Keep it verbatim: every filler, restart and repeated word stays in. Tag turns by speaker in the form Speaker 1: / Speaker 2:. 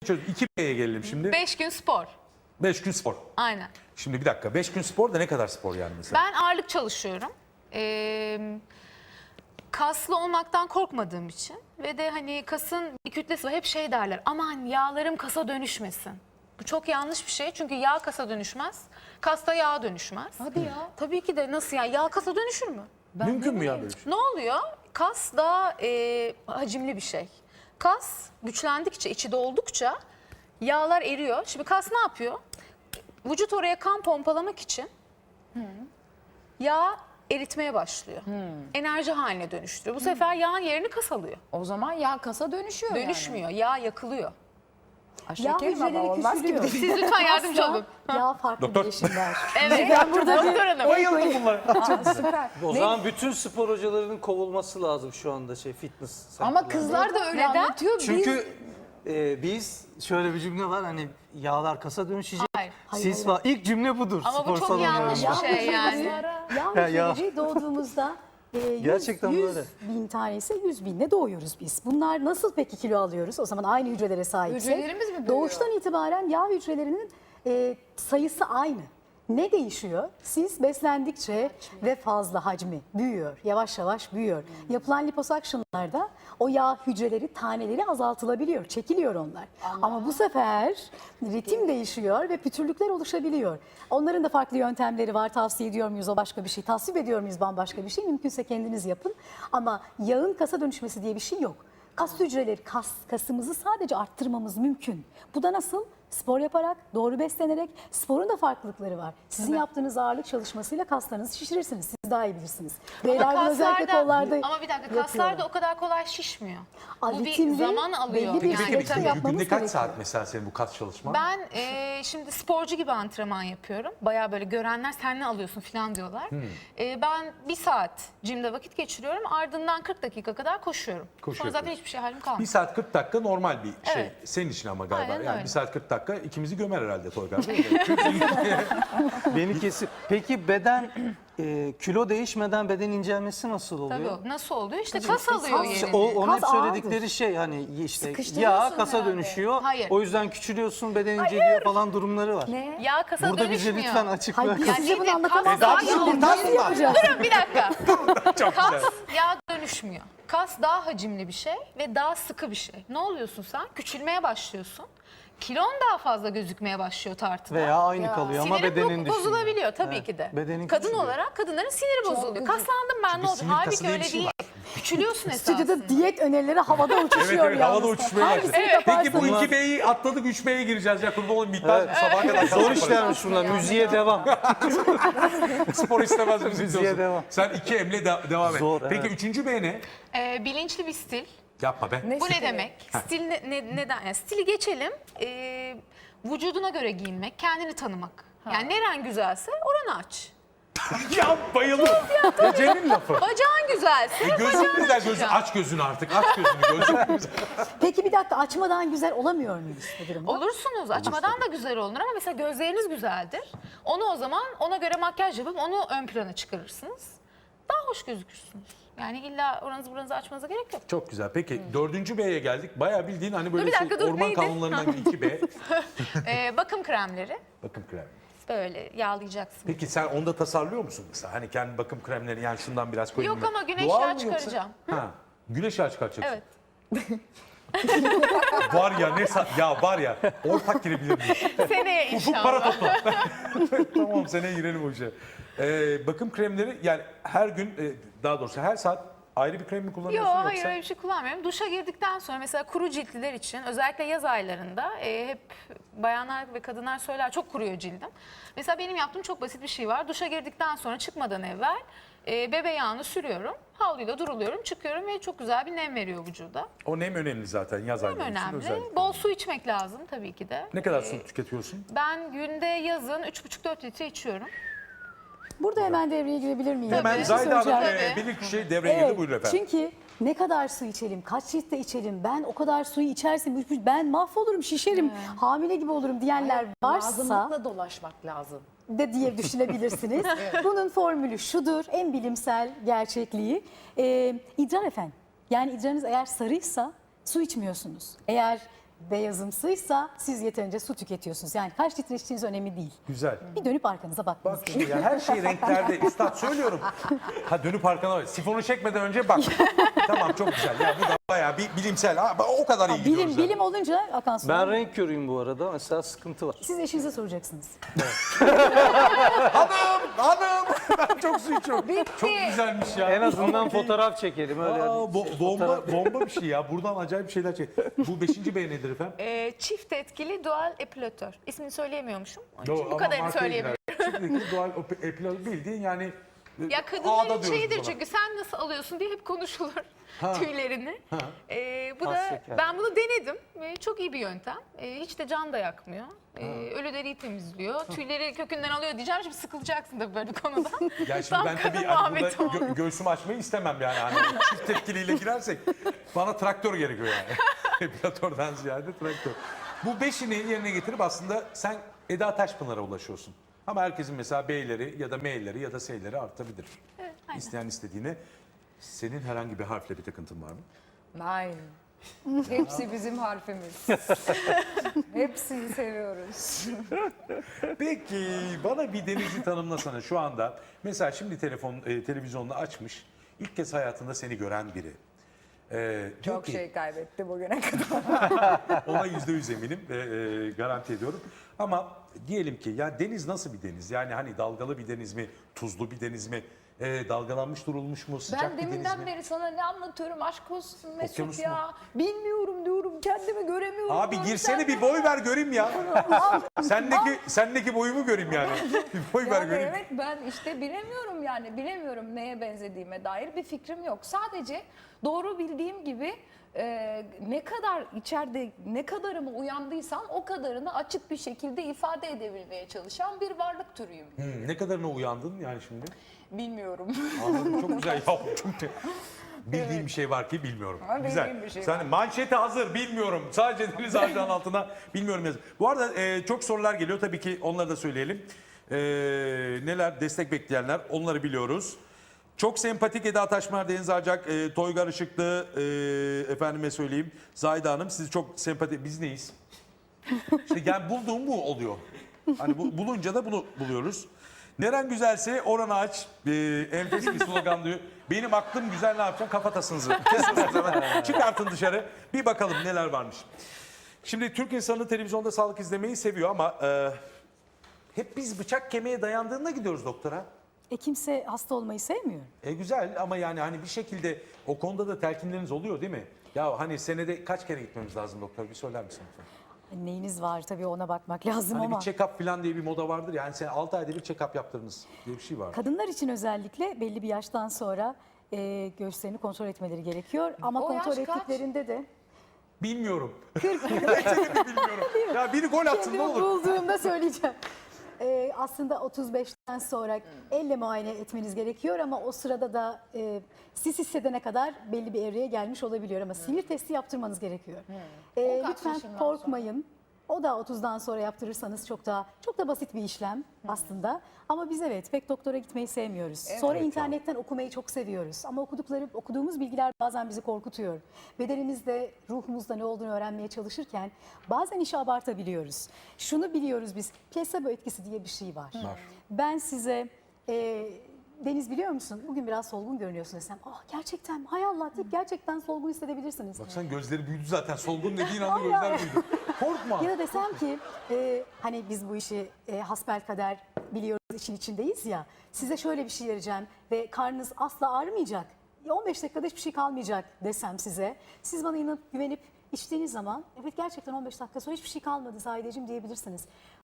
Speaker 1: iki B'ye gelelim şimdi.
Speaker 2: Beş gün spor.
Speaker 1: Beş gün spor.
Speaker 2: Aynen.
Speaker 1: Şimdi bir dakika. Beş gün spor da ne kadar spor yani mesela?
Speaker 2: Ben ağırlık çalışıyorum. Ee, kaslı olmaktan korkmadığım için ve de hani kasın bir kütlesi var. Hep şey derler, aman yağlarım kasa dönüşmesin. Bu çok yanlış bir şey çünkü yağ kasa dönüşmez. Kas da yağa dönüşmez.
Speaker 3: Hadi ya.
Speaker 2: Tabii ki de nasıl yani yağ kasa dönüşür mü?
Speaker 3: Ben
Speaker 1: Mümkün
Speaker 3: ne
Speaker 1: mü ya
Speaker 3: bileyim.
Speaker 1: böyle bir şey?
Speaker 2: Ne oluyor? Kas daha e, hacimli bir şey. Kas güçlendikçe, içi doldukça yağlar eriyor. Şimdi kas ne yapıyor? Vücut oraya kan pompalamak için yağ eritmeye başlıyor. Enerji haline dönüştürüyor. Bu sefer yağın yerini kas alıyor.
Speaker 3: O zaman yağ kasa dönüşüyor
Speaker 2: Dönüşmüyor. Yağ yakılıyor.
Speaker 3: yani. Ha,
Speaker 4: Yağ
Speaker 3: şekerim ama
Speaker 4: hücreleri
Speaker 3: olmaz gibi.
Speaker 4: küçülüyor.
Speaker 2: Siz lütfen yardımcı
Speaker 4: Asla
Speaker 2: olun.
Speaker 4: Yağ farklı
Speaker 1: Doktor.
Speaker 4: bileşimler.
Speaker 2: Evet.
Speaker 4: Ben burada bir
Speaker 2: Doktor Hanım.
Speaker 1: Bayıldım bunlara.
Speaker 3: Aa, süper.
Speaker 5: O zaman bütün spor hocalarının kovulması lazım şu anda şey fitness.
Speaker 3: Ama
Speaker 5: center'larda.
Speaker 3: kızlar da öyle
Speaker 2: Neden?
Speaker 3: anlatıyor.
Speaker 5: Çünkü e, biz şöyle bir cümle var hani yağlar kasa dönüşecek.
Speaker 2: Hayır.
Speaker 5: Sis var. İlk cümle budur.
Speaker 2: Ama bu
Speaker 5: spor
Speaker 2: çok
Speaker 5: salonlarında.
Speaker 2: yanlış bir
Speaker 4: Yağ
Speaker 2: şey yani.
Speaker 4: Yağ
Speaker 5: Ya, ya.
Speaker 4: hücreleri doğduğumuzda e, yüz,
Speaker 5: Gerçekten
Speaker 4: yüz
Speaker 5: böyle.
Speaker 4: bin tanesi yüz binle doğuyoruz biz. Bunlar nasıl peki kilo alıyoruz? O zaman aynı hücrelere sahipsek.
Speaker 3: Hücrelerimiz mi büyüyor?
Speaker 4: Doğuştan itibaren yağ hücrelerinin e, sayısı aynı. Ne değişiyor? Siz beslendikçe ve fazla hacmi büyüyor, yavaş yavaş büyüyor. Yapılan liposuction'larda o yağ hücreleri, taneleri azaltılabiliyor, çekiliyor onlar. Ama bu sefer ritim değişiyor ve pütürlükler oluşabiliyor. Onların da farklı yöntemleri var. Tavsiye ediyor muyuz o başka bir şey? Tasvip ediyor muyuz bambaşka bir şey? Mümkünse kendiniz yapın. Ama yağın kasa dönüşmesi diye bir şey yok. Kas hücreleri, kas, kasımızı sadece arttırmamız mümkün. Bu da nasıl? Spor yaparak, doğru beslenerek. Sporun da farklılıkları var. Sizin yaptığınız ağırlık çalışmasıyla kaslarınızı şişirirsiniz. Siz daha iyi bilirsiniz. Beyler bunu özellikle kollarda
Speaker 2: ama bir dakika kaslar
Speaker 4: yapıyorlar.
Speaker 2: da o kadar kolay şişmiyor.
Speaker 4: Aa,
Speaker 2: Bu bir
Speaker 4: ritimli,
Speaker 2: zaman alıyor.
Speaker 4: belli bir
Speaker 2: Yani
Speaker 4: süreçte
Speaker 2: tabii.
Speaker 4: yapmamız
Speaker 1: Günde kaç
Speaker 4: gerekiyor.
Speaker 1: saat mesela senin bu kas çalışman?
Speaker 2: Ben e, şimdi sporcu gibi antrenman yapıyorum. Bayağı böyle görenler sen ne alıyorsun falan diyorlar.
Speaker 1: Hmm.
Speaker 2: E, ben bir saat jimde vakit geçiriyorum. Ardından kırk dakika kadar koşuyorum.
Speaker 1: Koşu
Speaker 2: Sonra zaten
Speaker 1: yapıyorsun.
Speaker 2: hiçbir şey halim kalmıyor.
Speaker 1: Bir saat kırk dakika normal bir şey.
Speaker 2: Evet.
Speaker 1: Senin için ama galiba.
Speaker 2: Aynen
Speaker 1: yani
Speaker 2: öyle.
Speaker 1: bir saat kırk dakika ikimizi gömer herhalde Toygar değil mi? Çünkü
Speaker 5: Beni kesin. Peki beden e, kilo değişmeden beden incelmesi nasıl oluyor?
Speaker 2: Tabii nasıl oluyor? İşte kas alıyor
Speaker 4: kas-
Speaker 5: İşte
Speaker 2: yerini.
Speaker 5: o, onun hep
Speaker 4: Kas
Speaker 5: söyledikleri
Speaker 4: ağırdır.
Speaker 5: şey hani işte
Speaker 4: Sıkıştırıyorsun
Speaker 5: yağ kasa
Speaker 4: herhalde.
Speaker 5: dönüşüyor.
Speaker 2: Hayır.
Speaker 5: O yüzden küçülüyorsun, beden inceliyor falan durumları var.
Speaker 4: Ne?
Speaker 2: Yağ kasa
Speaker 5: Burada bize
Speaker 2: dönüşmüyor.
Speaker 5: lütfen açıkla.
Speaker 4: Hayır biz
Speaker 2: Ya
Speaker 4: size bunu
Speaker 2: nedir?
Speaker 4: anlatamazdık.
Speaker 2: Kas-
Speaker 4: Biz
Speaker 2: Kas-
Speaker 4: nasıl yapacağız?
Speaker 2: Durun bir dakika.
Speaker 1: çok
Speaker 2: Kas
Speaker 1: güzel.
Speaker 2: yağ dönüşmüyor. Kas daha hacimli bir şey ve daha sıkı bir şey. Ne oluyorsun sen? Küçülmeye başlıyorsun. Kilon daha fazla gözükmeye başlıyor tartıda.
Speaker 5: Veya aynı kalıyor ama
Speaker 2: Sinirin
Speaker 5: bedenin
Speaker 2: bo-
Speaker 5: düşüyor.
Speaker 2: bozulabiliyor tabii
Speaker 5: Evet,
Speaker 2: ki de.
Speaker 5: bedenin
Speaker 2: Kadın
Speaker 5: küçülüyor.
Speaker 2: olarak kadınların siniri bozuluyor. Kaslandım ben ne oldu?
Speaker 1: sinir kası
Speaker 2: Halbuki
Speaker 1: diye bir
Speaker 2: öyle
Speaker 1: şey
Speaker 2: değil. Küçülüyorsun esasında.
Speaker 4: Stüdyoda diyet önerileri havada
Speaker 1: Evet
Speaker 4: uçuşuyor
Speaker 1: evet havada
Speaker 4: yalnız.
Speaker 1: uçuşmaya başladı.
Speaker 4: Hangisini
Speaker 1: Peki bu
Speaker 4: yaparsanız-
Speaker 1: iki B'yi atladık üç B'ye gireceğiz ya kurban olayım bitmez
Speaker 5: Evet.
Speaker 1: bu sabaha kadar.
Speaker 5: Zor
Speaker 1: yaparız.
Speaker 5: işlermiş bunlar. Müziğe devam.
Speaker 1: Spor istemez misin
Speaker 5: Müziğe
Speaker 1: diyorsun.
Speaker 5: devam.
Speaker 1: Sen iki M'le de- devam et.
Speaker 5: Zor,
Speaker 1: Peki
Speaker 5: evet.
Speaker 1: üçüncü B ne?
Speaker 2: Ee, bilinçli bir stil.
Speaker 1: Yapma be.
Speaker 2: Bu ne demek? Stil ne, ne- neden? Yani stili geçelim. Ee, vücuduna göre giyinmek, kendini tanımak. Yani neren güzelse oranı aç.
Speaker 1: Ya bayıldım. Ece'nin lafı.
Speaker 2: Bacağın güzelse
Speaker 1: E, gözün
Speaker 2: bacağını
Speaker 1: güzel gözün
Speaker 2: açacaksın.
Speaker 1: aç gözünü artık aç gözünü gözün güzel.
Speaker 4: Peki bir dakika açmadan güzel olamıyor muyuz bu durumda?
Speaker 2: Olursunuz. Açmadan da güzel olunur ama mesela gözleriniz güzeldir. Onu o zaman ona göre makyaj yapıp onu ön plana çıkarırsınız. Daha hoş gözükürsünüz. Yani illa oranızı buranızı açmanıza gerek yok.
Speaker 1: Çok güzel. Peki dördüncü B'ye geldik. Bayağı bildiğin hani böyle
Speaker 2: Dur bir
Speaker 1: şey,
Speaker 2: dakika, dur,
Speaker 1: orman
Speaker 2: neydi?
Speaker 1: kanunlarından bir iki B.
Speaker 2: Ee, bakım kremleri
Speaker 1: Bakım kremi.
Speaker 2: böyle yağlayacaksın.
Speaker 1: Peki sen onda tasarlıyor musun mesela? Hani kendi bakım kremleri yani şundan biraz koyayım.
Speaker 2: Yok
Speaker 1: mı?
Speaker 2: ama güneş
Speaker 1: Doğal
Speaker 2: yağı
Speaker 1: mı yoksa-
Speaker 2: çıkaracağım.
Speaker 1: Ha. Güneş yağı çıkartacaksın.
Speaker 2: Evet.
Speaker 1: Var ya ne sa- ya var ya ortak girebilir miyiz?
Speaker 2: Seneye
Speaker 1: Ufuk para
Speaker 2: inşallah.
Speaker 1: topla. Tamam seneye girelim o işe. Ee, bakım kremleri yani her gün e, daha doğrusu her saat ayrı bir krem mi
Speaker 2: Yok
Speaker 1: kullanıyorsun
Speaker 2: hayır
Speaker 1: yoksa?
Speaker 2: öyle bir şey kullanmıyorum. Duşa girdikten sonra mesela kuru ciltliler için özellikle yaz aylarında e, hep bayanlar ve kadınlar söyler çok kuruyor cildim. Mesela benim yaptığım çok basit bir şey var. Duşa girdikten sonra çıkmadan evvel e, bebe yağını sürüyorum. Havluyla duruluyorum çıkıyorum ve çok güzel bir nem veriyor vücuda.
Speaker 1: O nem önemli zaten yaz
Speaker 2: Nem
Speaker 1: ayları için
Speaker 2: önemli.
Speaker 1: özellikle.
Speaker 2: Bol su içmek lazım tabii ki de.
Speaker 1: Ne kadar
Speaker 2: E,
Speaker 1: su tüketiyorsun?
Speaker 2: Ben günde yazın üç buçuk dört litre içiyorum.
Speaker 4: Burada hemen devreye girebilir miyim?
Speaker 1: Hemen
Speaker 4: Bir şey
Speaker 1: Zahide Hanım
Speaker 4: söyleyeceğim.
Speaker 1: e, bilir kişi devreye girdi buyurun efendim.
Speaker 4: Çünkü ne kadar su içelim, kaç litre içelim, ben o kadar suyu içersem ben mahvolurum, şişerim, hamile gibi olurum diyenler varsa
Speaker 3: Lazımlıkla dolaşmak lazım.
Speaker 4: de diye düşünebilirsiniz. Bunun formülü şudur, en bilimsel gerçekliği. Ee, idrar efendim. Yani idrarınız eğer sarıysa su içmiyorsunuz. Eğer beyazımsıysa siz yeterince su tüketiyorsunuz. Yani kaç litre içtiğiniz önemli değil.
Speaker 1: Güzel.
Speaker 4: Bir dönüp arkanıza bakmanız
Speaker 1: Bak
Speaker 4: gerekiyor.
Speaker 1: şimdi ya her şey renklerde. Üstad söylüyorum. Ha dönüp arkana bak. Sifonu çekmeden önce bak. Tamam çok güzel. Ya bu da bayağı bir bilimsel. Ha, o kadar iyi gidiyoruz.
Speaker 4: Bilim,
Speaker 1: yani.
Speaker 4: bilim olunca akan su.
Speaker 5: Ben renk körüyüm bu arada. Mesela sıkıntı var.
Speaker 4: Siz eşinize soracaksınız.
Speaker 1: Hanım, hanım. Ben çok su içiyorum. Çok güzelmiş ya.
Speaker 5: En azından fotoğraf çekelim öyle.
Speaker 1: Aa, bo- bomba, bomba bir şey ya. Buradan acayip şeyler çek. Bu beşinci B nedir efendim?
Speaker 2: Ee, çift etkili dual epilatör. İsmini söyleyemiyormuşum. Onun
Speaker 1: Yo,
Speaker 2: için bu
Speaker 1: ama
Speaker 2: kadarını
Speaker 1: markaya
Speaker 2: söyleyebilirim.
Speaker 1: girer. Çiftlikli doğal epilator bildiğin yani e,
Speaker 2: Ya
Speaker 1: ağda
Speaker 2: kadınların
Speaker 1: diyoruz
Speaker 2: şeyidir
Speaker 1: buna.
Speaker 2: çünkü sen nasıl alıyorsun diye hep konuşulur tüylerini.
Speaker 1: Ha.
Speaker 2: Ee, bu
Speaker 5: Az
Speaker 2: da
Speaker 5: şeker.
Speaker 2: ben bunu denedim ve çok iyi bir yöntem. Ee, hiç de can da yakmıyor. Ee, ölü deriyi temizliyor. Tüyleri kökünden alıyor diyeceğim. Şimdi sıkılacaksın da böyle bir konuda.
Speaker 1: Ya şimdi
Speaker 2: Tam
Speaker 1: ben
Speaker 2: kadın
Speaker 1: tabii hani burada
Speaker 2: muhabbeti oldu.
Speaker 1: gö- göğsümü açmayı istemem yani. Hani çift tepkiliyle girersek bana traktör gerekiyor yani. Epilatörden ziyade traktör. Bu beşini yerine getirip aslında sen Eda Taşpınar'a ulaşıyorsun. Ama herkesin mesela B'leri ya da M'leri ya da S'leri artabilir.
Speaker 2: Evet, aynen.
Speaker 1: İsteyen istediğine. Senin herhangi bir harfle bir takıntın var mı?
Speaker 6: Nein. Hepsi bizim harfimiz. Hepsini seviyoruz.
Speaker 1: Peki bana bir Deniz'i tanımlasana şu anda. Mesela şimdi telefon e, televizyonunu açmış. İlk kez hayatında seni gören biri. Ee, diyor
Speaker 6: Çok
Speaker 1: ki,
Speaker 6: şey kaybetti bugüne kadar.
Speaker 1: ona yüzde yüz eminim ve e, garanti ediyorum. Ama diyelim ki ya deniz nasıl bir deniz? Yani hani dalgalı bir deniz mi, tuzlu bir deniz mi, e, dalgalanmış durulmuş mu, sıcak
Speaker 6: Ben
Speaker 1: bir deniz
Speaker 6: deminden
Speaker 1: mi?
Speaker 6: beri sana ne anlatıyorum aşk olsun Mesut
Speaker 1: Okyanus
Speaker 6: ya. Bilmiyorum diyorum kendimi göremiyorum.
Speaker 1: Abi
Speaker 6: diyorum,
Speaker 1: girsene
Speaker 6: sen-
Speaker 1: bir boy ver göreyim ya. sendeki sendeki boyumu göreyim yani. Bir boy ver
Speaker 6: Yani
Speaker 1: göreyim.
Speaker 6: evet ben işte bilemiyorum yani bilemiyorum neye benzediğime dair bir fikrim yok. Sadece doğru bildiğim gibi e, ne kadar içeride ne kadarımı uyandıysam o kadarını açık bir şekilde ifade edebilmeye çalışan bir varlık türüyüm.
Speaker 1: Hmm, ne kadarına uyandın yani şimdi?
Speaker 6: Bilmiyorum.
Speaker 1: Anladım çok güzel. Ya, çok bildiğim bir şey var ki bilmiyorum.
Speaker 6: Ama bildiğim
Speaker 1: Güzel.
Speaker 6: bir şey
Speaker 1: Sen
Speaker 6: var.
Speaker 1: manşeti hazır bilmiyorum. Sadece deniz ağacının altına bilmiyorum yazın. Bu arada e, çok sorular geliyor. Tabii ki onları da söyleyelim. E, neler destek bekleyenler onları biliyoruz. Çok sempatik Eda Taşpınar, Deniz Arcak, e, Toygar Işıklı, e, efendime söyleyeyim Zahide Hanım. Sizi çok sempatik. Biz neyiz? İşte yani bulduğum bu oluyor. Hani bu, bulunca da bunu buluyoruz. Neren güzelse oranı aç. Ee, enfes bir slogan diyor. Benim aklım güzel ne yapacağım? Kafatasınızı. Kesin o zaman. Çıkartın dışarı. Bir bakalım neler varmış. Şimdi Türk insanı televizyonda sağlık izlemeyi seviyor ama e, hep biz bıçak kemiğe dayandığında gidiyoruz doktora.
Speaker 4: E kimse hasta olmayı sevmiyor.
Speaker 1: E güzel ama yani hani bir şekilde o konuda da telkinleriniz oluyor değil mi? Ya hani senede kaç kere gitmemiz lazım doktor? Bir söyler misin lütfen?
Speaker 4: Neyiniz var tabii ona bakmak lazım
Speaker 1: Hani
Speaker 4: ama.
Speaker 1: bir check-up falan diye bir moda vardır ya. Yani sen altı ayda bir check-up yaptırınız diye bir şey var.
Speaker 4: Kadınlar için özellikle belli bir yaştan sonra e, göğüslerini kontrol etmeleri gerekiyor. Ama
Speaker 6: O
Speaker 4: kontrol
Speaker 6: yaş kaç?
Speaker 4: ettiklerinde de
Speaker 1: Bilmiyorum. Gerçekten de bilmiyorum. Ya biri gol atsın ne
Speaker 4: kendimi
Speaker 1: olur.
Speaker 4: bulduğumda söyleyeceğim. E, aslında otuz beşten sonra elle muayene etmeniz gerekiyor ama o sırada da e, siz hissedene kadar belli bir evreye gelmiş olabiliyor ama sinir testi yaptırmanız gerekiyor. E,
Speaker 6: O kaç
Speaker 4: lütfen
Speaker 6: yaşından
Speaker 4: korkmayın. O da otuzdan sonra yaptırırsanız çok daha çok da basit bir işlem aslında. Ama biz evet pek doktora gitmeyi sevmiyoruz. Sonra
Speaker 1: Evet,
Speaker 4: internetten okumayı çok seviyoruz. Ama okudukları okuduğumuz bilgiler bazen bizi korkutuyor. Bedenimizde, ruhumuzda ne olduğunu öğrenmeye çalışırken bazen işi abartabiliyoruz. Şunu biliyoruz biz. Plasebo etkisi diye bir şey var.
Speaker 1: Var.
Speaker 4: Ben size e, Deniz biliyor musun? Bugün biraz solgun görünüyorsun desem. Ah gerçekten mi? Hay Allah deyip gerçekten solgun hissedebilirsiniz.
Speaker 1: Bak sen gözleri büyüdü zaten. Solgun dediğin anda
Speaker 4: Ay,
Speaker 1: gözler
Speaker 4: ay.
Speaker 1: büyüdü. Korkma.
Speaker 4: Ya da desem ki e, hani biz bu işi e, hasbelkader biliyoruz için içindeyiz ya. Size şöyle bir şey vereceğim ve karnınız asla ağrımayacak. Ya on beş dakikada hiçbir şey kalmayacak desem size. Siz bana inanıp güvenip içtiğiniz zaman evet gerçekten on beş dakika sonra hiçbir şey kalmadı Zahideciğim diyebilirsiniz.